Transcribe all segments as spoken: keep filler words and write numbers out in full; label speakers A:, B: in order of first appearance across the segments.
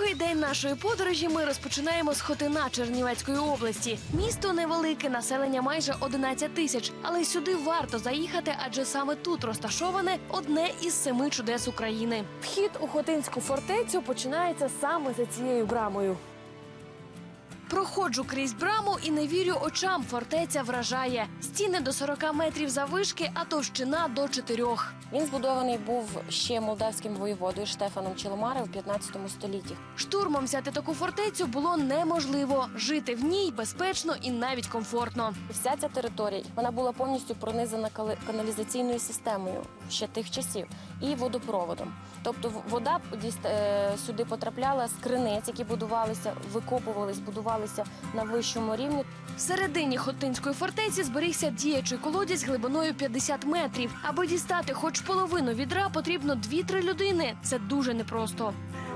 A: Другий день нашої подорожі ми розпочинаємо з Хотина Чернівецької області. Місто невелике, населення майже одинадцять тисяч. Але сюди варто заїхати, адже саме тут розташоване одне із семи чудес України. Вхід у Хотинську фортецю починається саме за цією брамою. Проходжу крізь браму і не вірю очам, фортеця вражає. Стіни до сорока метрів заввишки, а товщина до чотирьох.
B: Він збудований був ще молдавським воєводою Штефаном Челомарем в п'ятнадцятому столітті.
A: Штурмом взяти таку фортецю було неможливо. Жити в ній безпечно і навіть комфортно.
B: Вся ця територія, вона була повністю пронизана каналізаційною системою ще тих часів і водопроводом. Тобто вода сюди потрапляла з криниць, які будувалися, викопувались, будувалися на вищому рівні.
A: Всередині Хотинської фортеці зберігся діячий колодязь глибиною п'ятдесят метрів. Аби дістати хоч половину відра, потрібно дві-три людини. Це дуже непросто.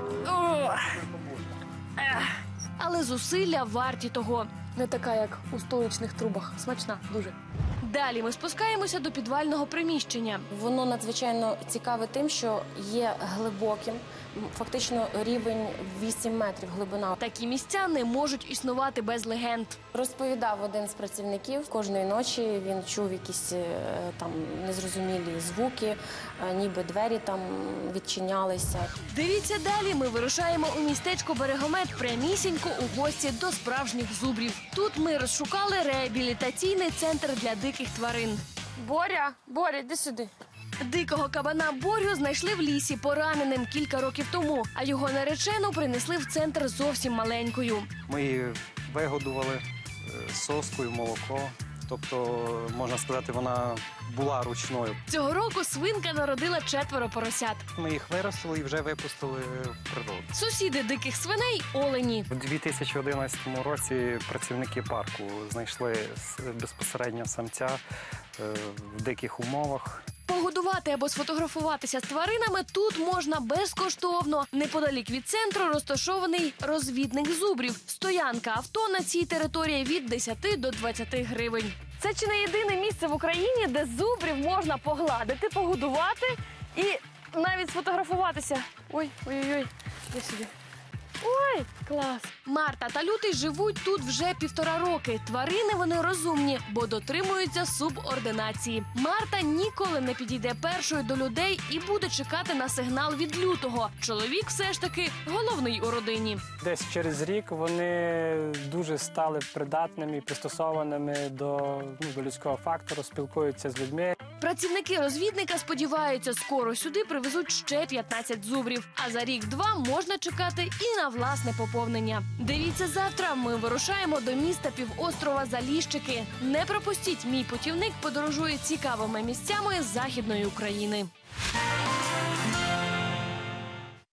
A: Але зусилля варті того. Не така, як у столичних трубах. Смачна дуже. Далі ми спускаємося до підвального приміщення.
B: Воно надзвичайно цікаве тим, що є глибоким, фактично рівень вісім метрів глибина.
A: Такі місця не можуть існувати без легенд.
B: Розповідав один з працівників, кожної ночі він чув якісь там незрозумілі звуки, ніби двері там відчинялися.
A: Дивіться далі, ми вирушаємо у містечко Берегомет прямісінько у гості до справжніх зубрів. Тут ми розшукали реабілітаційний центр для диких тварин.
B: Боря, Боря, іди сюди.
A: Дикого кабана Борю знайшли в лісі пораненим кілька років тому, а його наречену принесли в центр зовсім маленькою.
C: Ми її вигодували соскою, молоко. Тобто, можна сказати, вона була ручною.
A: Цього року свинка народила четверо поросят.
C: Ми їх виростили і вже випустили в природу.
A: Сусіди диких свиней – олені.
C: У дві тисячі одинадцятому році працівники парку знайшли безпосередньо самця в диких умовах.
A: Погодувати або сфотографуватися з тваринами тут можна безкоштовно. Неподалік від центру розташований розвідник зубрів. Стоянка авто на цій території від десяти до двадцяти гривень. Це чи не єдине місце в Україні, де зубрів можна погладити, погодувати і навіть сфотографуватися. Ой, ой-ой-ой, я сюди. Ой, клас! Марта та Лютий живуть тут вже півтора роки. Тварини вони розумні, бо дотримуються субординації. Марта ніколи не підійде першою до людей і буде чекати на сигнал від Лютого. Чоловік все ж таки головний у родині.
D: Десь через рік вони дуже стали придатними і пристосованими до, ну, до людського фактору, спілкуються з людьми.
A: Працівники розвідника сподіваються, скоро сюди привезуть ще п'ятнадцять зубрів. А за рік-два можна чекати і на власне поповнення. Дивіться завтра, ми вирушаємо до міста півострова Заліщики. Не пропустіть, мій путівник подорожує цікавими місцями Західної України.